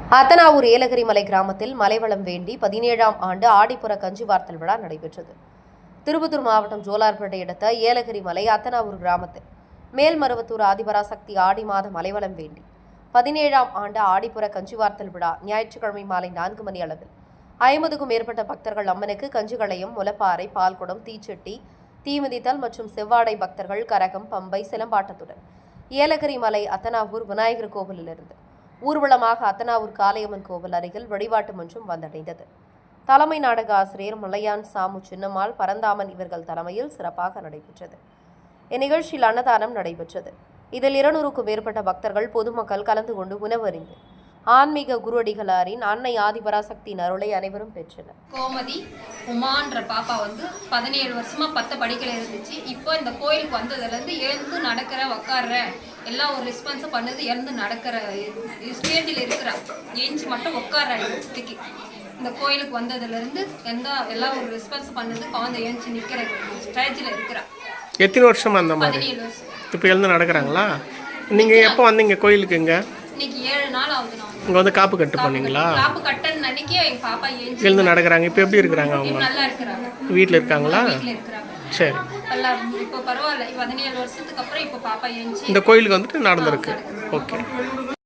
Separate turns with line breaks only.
அத்தனாவூர் ஏலகிரி மலை கிராமத்தில் மலைவளம் வேண்டி 17ஆம் ஆண்டு ஆடிப்புற கஞ்சிவார்த்தல் விழா நடைபெற்றது. திருப்பத்தூர் மாவட்டம் ஜோலார்பேட்டை அடுத்த ஏலகிரி மலை அத்தனாவூர் கிராமத்தில் மேல்மருவத்தூர் ஆதிபராசக்தி ஆடி மாத மலைவளம் வேண்டி 17ஆம் ஆண்டு ஆடிப்புற கஞ்சிவார்த்தல் விழா ஞாயிற்றுக்கிழமை மாலை 4 மணி அளவில் 50க்கும் மேற்பட்ட பக்தர்கள் அம்மனுக்கு கஞ்சுகளையும் முலப்பாறை பால்குடம் தீச்சட்டி தீமிதித்தல் மற்றும் செவ்வாடை பக்தர்கள் கரகம் பம்பை சிலம்பாட்டத்துடன் ஏலகிரி மலை அத்தனாவூர் விநாயகர் கோவிலிலிருந்து ஊர்வலமாக அத்தனாவூர் காளையம்மன் கோவில் அருகில் வழிபாட்டு மன்றம் வந்தடைந்தது. தலைமை நாடக ஆசிரியர் மலையான் சாமு சின்னம்மாள் பரந்தாமன் இவர்கள் தலைமையில் சிறப்பாக நடைபெற்றது. இந்நிகழ்ச்சியில் அன்னதானம் நடைபெற்றது. இதில் 200க்கும் மேற்பட்ட பக்தர்கள் பொதுமக்கள் கலந்து கொண்டு உணவறிந்து ஆன்மீக குருவடிகளாரின் அன்னை ஆதிபராசக்தியின் அருளை அனைவரும் பெற்றனர்.
கோமதி உமான்ற பாப்பா 17 வருஷமா 10 படிக்கல இருந்துச்சு. இப்போ இந்த கோயிலுக்கு வந்ததுலேருந்து எழுந்து நடக்கிற உக்காடுற எல்லாம் ஒரு ரெஸ்பான்ஸும் பண்ணுது. எழுந்து நடக்கிற ஸ்டேஜில் இருக்கிறா, ஏஞ்சி மட்டும் உட்கார இடத்துக்கு இந்த கோயிலுக்கு வந்ததுலேருந்து எல்லாம் ஒரு ரெஸ்பான்ஸ் பண்ணுது. குழந்தை ஏஞ்சி நிற்கிற ஸ்டேஜில் இருக்கிறா.
எத்தனை வருஷமா அந்த மாதிரி?
17 வருஷம்.
இப்போ எழுந்து நடக்கிறாங்களா? நீங்கள் எப்போ வந்தீங்க கோயிலுக்கு?
இன்னைக்கு 7 நாள் ஆகுது.
இங்கே வந்து காப்பு கட்டு பண்ணீங்களா?
காப்பு கட்டன்னு அன்னைக்கே எங்கள் பாப்பா ஏஞ்சி
எழுந்து நடக்கிறாங்க. இப்போ எப்படி இருக்கிறாங்க அவங்க?
நல்லா இருக்கிறாங்க.
வீட்டில் இருக்காங்களா?
வீட்டில் இருக்கிறாங்க.
சரி,
இப்போ பரவாயில்ல. 17 வருஷத்துக்கு அப்புறம் இப்போ பாப்பா ஏஞ்சி
இந்த கோயிலுக்கு வந்துட்டு நடந்திருக்கு. ஓகே.